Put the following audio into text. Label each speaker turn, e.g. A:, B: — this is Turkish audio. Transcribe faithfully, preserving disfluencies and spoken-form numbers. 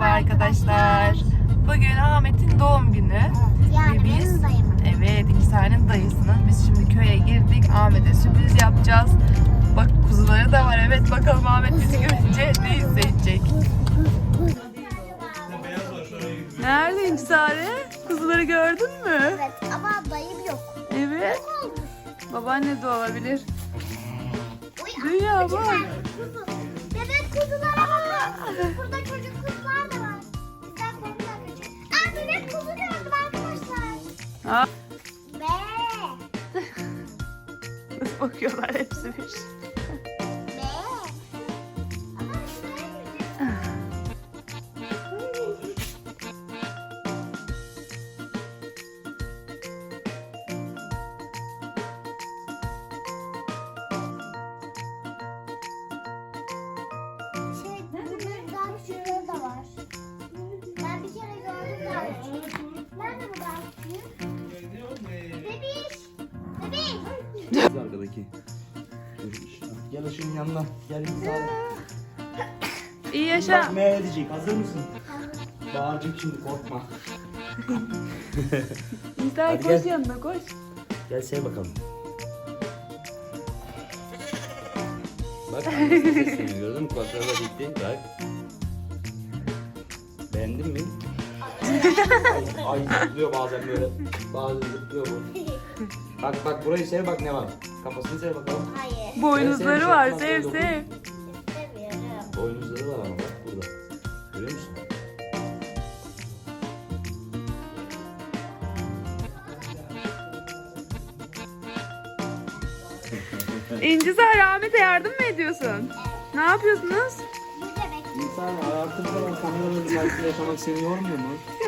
A: Merhaba arkadaşlar. Bugün Ahmet'in doğum günü.
B: Yani
A: Ve biz,
B: benim dayımın.
A: evet, İkizler'in dayısının. Biz şimdi köye girdik. Ahmet'e sürpriz yapacağız. Bak, kuzuları da var. Evet, bakalım Ahmet bizi görünce ne hissedecek. Nerede İnkisare? Kuzuları gördün mü?
B: Evet ama dayım yok.
A: Evet.
B: Yok olmuş.
A: Babaanne de olabilir.
B: Uy,
A: Dünya
B: küçük
A: bak.
B: tane kuzu. Bebek kuzulara bakın. Burada çocuk kuzular da var. Bizden korkular kaçıyor. Aa, bebek kuzu gördüm arkadaşlar.
A: Ha,
B: Be.
A: nasıl bakıyorlar hepsi bir.
B: Be. Ama şuraya Şey, bunun daha küçükleri de var. Ben bir kere gördüm daha küçük. Nerede bu daha küçük? Bebiş! Bebiş!
C: Arkadaki. Gel ışığın yanına. Gel İkizler.
A: İyi yaşa.
C: Bak ne edecek? Hazır mısın? Bağıracak şimdi, korkma.
A: İnkisare
C: Hadi
A: koş
C: gel.
A: yanına, koş.
C: Gel sev bakalım. Bak annesi sesleniyor, gördün mü? Kulakları da gitti. Bak. Beğendin mi? ay, ay zıplıyor bazen böyle. Bazen zıplıyor bu. Bak bak burayı sev, bak ne var. Kafasını sev bakalım.
B: Hayır.
A: Boynuzları var,
C: Sen
A: sev
C: sevmiş
A: sev.
B: İstemiyorum.
C: Boynuzları var ama bak burada. Görüyor musun?
A: İnkisare, Ahmet'e yardım mı ediyorsun? Ne yapıyorsunuz?
B: Bu bebek.
C: İnsan hayatında kameraların karşısında yaşamak seni yormuyor mu?